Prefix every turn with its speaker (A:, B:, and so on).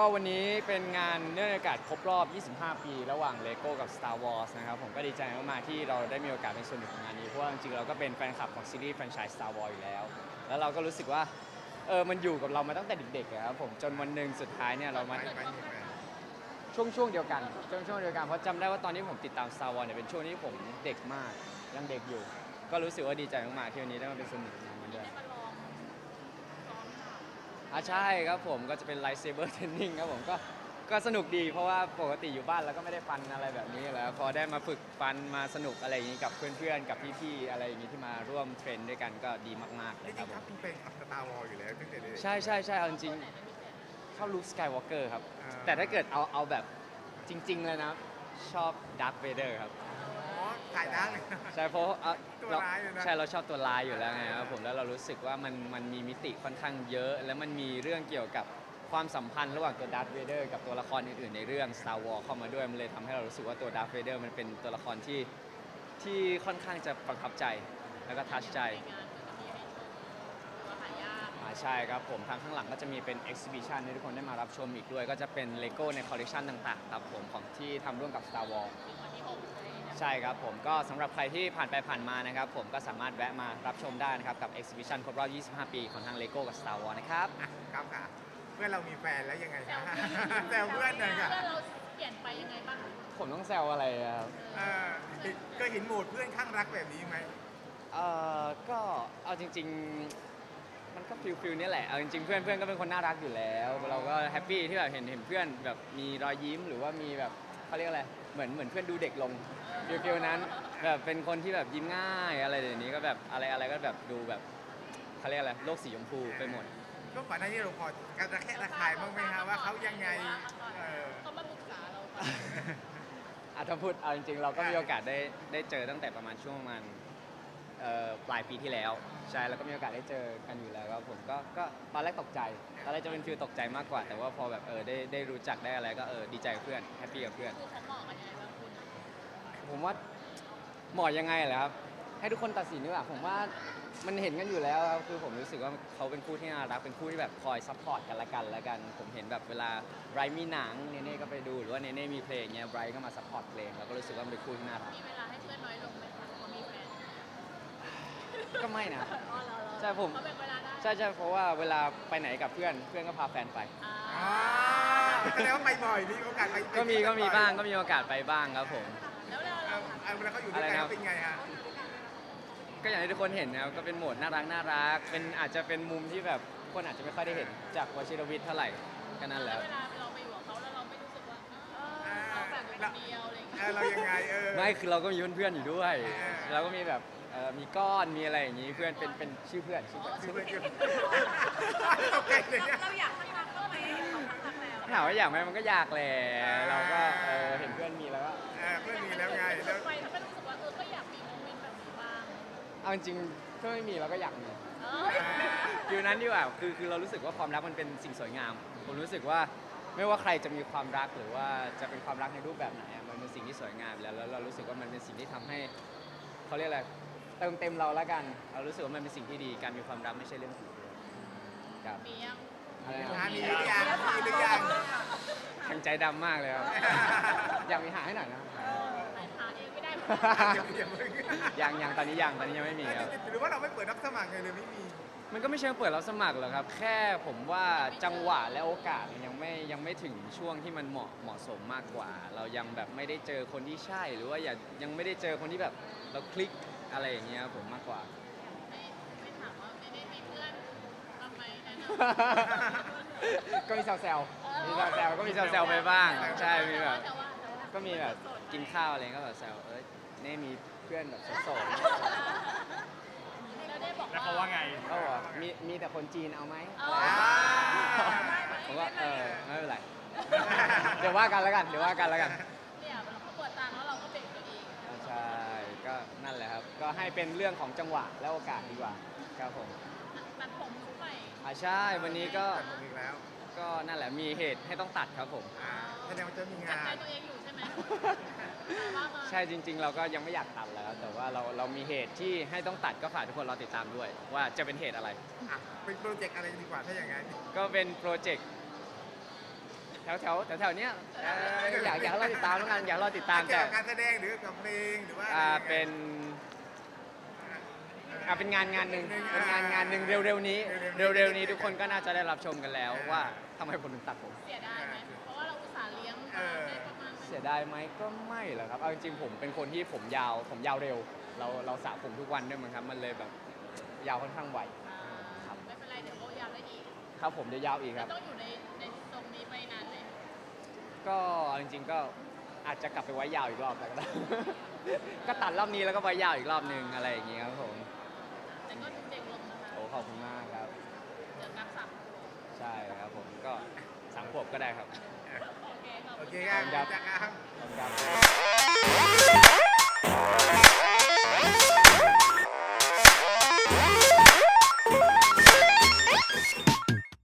A: วันนี้เป็นงานเนื่องในโอกาสครบรอบ 25 ปีระหว่าง LEGO กับ Star Wars นะครับผมก็ดีใจมากๆที่เราได้มีโอกาสเป็นส่วนหนึ่งของงานนี้เพราะว่าจริงๆเราก็เป็นแฟนคลับของซีรีส์แฟรนไชส์ Star Wars อยู่แล้วแล้วเราก็รู้สึกว่ามันอยู่กับเรามาตั้งแต่เด็กๆอะครับผมจนวันหนึ่งสุดท้ายเนี่ยเรามาช่วงเดียวกันช่วงเดียวกันเพราะจำได้ว่าตอนที่ผมติดตาม Star Wars เนี่ยเป็นช่วงที่ผมเด็กมากยังเด็กอยู่ก็รู้สึกว่าดีใจมากๆที่วันนี้ได้มาเป็นส่วนหนึ่งของงานนี้ด้วยใช่ครับผมก็จะเป็น Lightsaber Training ครับผมก็สนุกดีเพราะว่าปกติอยู่บ้านแล้วก็ไม่ได้ฟันอะไรแบบนี้แล้วพอได้มาฝึกฟันมาสนุกอะไรอย่างนี้กับเพื่อนๆกับพี่ๆอะไรอย่างนี้ที่มาร่วมเทรนด้วยกันก็ดีมากๆเล
B: จ
A: ยค
B: ริ
A: รับ
B: งๆ
A: ผ
B: ครับ
A: ม
B: คุณเป็นสตาร์วอลอยู่แล้วตั้งแต่เด็ก
A: ใช่เอาจริงๆชอบลุคสกายวอล์กเกอร์ครับ
B: อ่า
A: แต่ถ้าเกิดเอาแบบจริงๆเลยนะชอบดาร์ธเวเดอร์ครับ
B: อ๋อถ่ายได้เลย
A: ใช่เพราะ
B: ตัวร้ายเลยนะ
A: ใช่เราชอบตัวร้ายอยู่แล้วไงครับผมแล้วเรารู้สึกว่ามันมีมิติค่อนข้างเยอะ แล้วมันมีเรื่องเกี่ยวกับความสัมพันธ์ระหว่างตัวดาร์ธเวเดอร์กับตัวละครอื่นๆในเรื่อง Star Wars เข้ามาด้วยมันเลยทำให้เรารู้สึกว่าตัวดาร์ธเวเดอร์มันเป็นตัวละครที่ค่อนข้างจะประทับใจแล้วก็ทัชใจใช่ครับผมทางข้างหลังก็จะมีเป็น exhibition ให้ทุกคนได้มารับชมอีกด้วย ก็จะเป็น LEGO ในคอลเลคชันต่างๆครับผมของที่ทำร่วมกับ Star Wars ใช่ครับผมก็สำหรับใครที่ผ่านไปผ่านมานะครับผมก็สามารถแวะมารับชมได้นะครับกับ exhibition ครบรอบ 25 ปีของทาง LEGO กับ Star Wars นะครับ
B: อ่ะครับค่ะเพื่อนเรามีแฟนแล้วยังไงคะแซวเพื่อนหน่อยค่ะ
C: เพื่อนเราเปลี่ยนไปยังไงบ้าง
A: ผมต้องแซวอะไรอะครับ
B: เออก็เห็นโหมดเพื่อนข้างรักแบบนี้ไหม
A: ก็เอาจริงๆมันก็ฟิลนี่แหละเอาจริงๆเพื่อนก็เป็นคนน่ารักอยู่แล้วเราก็แฮปปี้ที่แบบเห็นเพื่อนแบบมีรอยยิ้มหรือว่ามีแบบเขาเรียกอะไรเหมือนเพื่อนดูเด็กลงฟิลนั้นแบบเป็นคนที่แบบยิ้มง่ายอะไรเดี๋ยวนี้ก็แบบอะไรก็แบบดูแบบเขาเรียกอะไรโลกสีชมพูไปหมด
B: ก็ก่อนหน้านี้เราพอการระแคะระคายบ้างไหมฮะว่าเขายังไงเออ
C: เขามาปรึกษาเราก่อน
A: ถ้าพูดเอาจริงๆเราก็มีโอกาสได้เจอตั้งแต่ประมาณช่วงประมาณปลายปีที่แล้วใช่แล้วก็มีโอกาสได้เจอกันอยู่แล้วครับผมก็ตอนแรกตกใจตอนแรกจะเป็นฟีลตกใจมากกว่า แต่ว่าพอแบบได้รู้จักได้อะไรก็ดีใจกับเพื่อนแฮปปี้กับเพื่อน
C: คือเขาเหมาะกันยังไงบ้างคุณ
A: ผมว่าเหมาะยังไงเหรอครับให้ทุกคนตัดสินดีกว่าผมว่ามันเห็นกันอยู่แล้วครับคือผมรู้สึกว่าเขาเป็นคู่ที่น่ารักเป็นคู่ที่แบบคอยซัพพอร์ตกันละกันผมเห็นแบบเวลาไบรท์มีหนังเนเน่ก็ไปดูหรือว่าเนเน่มีเพลงเงี้ยไบรท์ก็มาซัพพอร์ตเพลงแล้วก็รู้สึกว่ามันเป็นคู่ที่น่ารัก
C: มีเวลาให้เพื่อนน้อยลงไหมคะเขามีแฟน
A: ก็ไม่นะ
C: อ๋อเหรอ
A: ใช่ผม
C: เขาแบ่งเวลาได้
A: ใช่เพราะว่าเวลาไปไหนกับเพื่อนก็พาแฟนไป
C: อ่า
B: อ๋อแสดงว่าไปบ่อยมีโอกาสไป
A: ก็มีบ้างก็มีโอกาสไปบ้างครับผม
C: แล้วเรา
B: เวลาเขาอยู่ด้วยกันเขาเป็นไงฮะ
A: ก็อย่างที่ทุกคนเห็นนะครับก็เป็นโหมดน่ารักเป็นอาจจะเป็นมุมที่แบบคนอาจจะไม่ค่อยได้เห็นจากวชิรวิทย์เท่าไหร่ก็นั่นแหละ
C: เวลาเราไปอยู่กับเขาแล้วเราไม่รู้สึกว่าเราแบบคนเดียวอะไรอย่างเงี้ย
B: เรายังไง
A: ไม่คือเราก็มีเพื่อนๆอยู่ด้วย
B: เออ
A: เราก็มีแบบมีก้อนมีอะไรอย่างนี้เพื่อนเป็นชื่อเพื่อน
B: ชื่อเพื่อนตกใจเลยเนี่ย
C: เราอยากข้างรักก็ไหมเขาข้างรักแล้ว
A: ถามว่าอยากไหมมันก็อยากแหละเราก็เห็นเพื่อนมีแล้วก็
B: เพื่อนมีแล้วไงแล้ว
C: ไปทำให้รู้สึกว่าก็อยากมีโมเมนต์แบบนี้บ้าง
A: เอาจริงๆถ้าไม่มีเราก็อยากมี
C: เอ้ย
A: ฟิลนั้นดีกว่าคือเรารู้สึกว่าความรักมันเป็นสิ่งสวยงาม ผมรู้สึกว่าไม่ว่าใครจะมีความรักหรือว่าจะเป็นความรักในรูปแบบไหนอะมันเป็นสิ่งที่สวยงามแล้วเรารู้สึกว่ามันเป็นสิ่งที่ทำให้เขาเรียกอะไรเติมเต็มเราแล้วกัน เรารู้สึกว่ามันเป็นสิ่งที่ดีการมีความรักไม่ใช่เรื่องผิดเลยครับ
C: มียัง
A: อะไรนะ
B: มีหรือยังมีหรือยัง
A: แข็งใจดำมากเลยครับ อยากมีหาให้หน่อยนะ
C: หาเองไม่ได้
A: ยังตอนนี้ยังไม่มีครับ
B: หรือว่าเราไม่เปิดรับสมัครไงเลยไม่มี
A: มันก็ไม่เชิงเปิดรับสมัครหรอกครับ แค่ผมว่าจังหวะและโอกาสยังไม่ถึงช่วงที่มันเหมาะสมมากกว่า เรายังแบบไม่ได้เจอคนที่ใช่หรือว่ายังไม่ได้เจอคนที่แบบเราคลิกอะไรอย่างเงี้ยครับผมมากกว่า
C: ไม่ถามว่าไม่ได้มีเพื่อนบ้างไหมแนะน
A: ก็มีแซวๆก็มีแซวๆไปบ้าง
C: ำ
A: ใช่มีแบบ
C: แต่ว่า
A: ก็มีแบบกินข้าวอะไรก็แบบแซวเน่มีเพื่อนแบบโสด
C: แล้วได้บอก
D: แล้วเขาว่าไง
A: ๆเขาบอกว่ามีแต่คนจีนเอาไหม
C: อ๋อ
A: ผมว่าไม่เป็นไร เดี๋ยวว่ากันแล้วกัน
C: เนี่ยเขาเปิดตังค์แล้วเราก็เบรกตัวเอง
A: ใช่ก็นั่นแหละครับ ก็ให้เป็นเรื่องของจังหวะและโอกาสดีกว่าครับผม
C: ตัดผมยุคใหม่
A: ใช่วันนี้ก็
B: แต่ผมอีกแล้ว
A: นั่นแหละมีเหตุให้ต้องตัดครับผม
B: แสดงว่าจะมี
C: จับ
B: งา
C: ใจ
B: น
C: ตัวเองอยู่ใช่ไหมว่ามา
A: ใช่จริง ๆ เราก็ยังไม่อยากตัดแล้ว แต่ว่าเรามีเหตุที่ให้ต้องตัดก็ฝากทุกคนรอติดตามด้วย ว่าจะเป็นเหตุอะไร
B: เป็นโปรเจกต์อะไรดีกว่าถ้าอย่างนั้น
A: ก็เป็นโปรเจกต์แถวเนี้ยอยากให้เราติดตามแล้วกันอยากให้เราติดตาม
B: เกี่
A: แต่
B: ยวกับการแสดงหรือกับเพลงหรือว่า
A: เป็นงานหนึ่งเป็นงานหนึ่งเร็วๆนี้ทุกคนก็น่าจะได้รับชมกันแล้วว่าทำไมผมถึงตัดผม
C: เสียดายไหมเพราะว่าเราอุตส่าห์เลี้ยงมาได้ประมาณ
A: เสียดายไหมก็ไม่หรอกครับเอาจริงๆผมเป็นคนที่ผมยาวเร็วเราสระผมทุกวันด้วยมั้งครับมันเลยแบบยาวค่อนข้างไว
C: ไม่เป็นไรเดี๋ยวเขายาวได้อีก
A: ครับผมจะยาวอีกครับ
C: ต้องอยู่ในตรงนี้ไปนานเลย
A: ก็เอาจริงๆก็อาจจะกลับไปไว้ยาวอีกรอบแล้วก็ได้ ก็ตัดรอบนี้แล้วก็ไว้ยาวอีกรอบนึงอะไรอย่างเงี้ยครับผม
C: แต่ก็เด็กลงนะคะ
A: โอ้ขอบคุณมากครับ
C: เดี๋ยวนับสับ
A: ใช่ครับผมก็3 ขวบก็ได้ครับ
C: โอเคขอบ
B: โอ
C: คุณ
B: เคครับ
A: ครับ
B: จากครับ
A: ขอบคุณครับ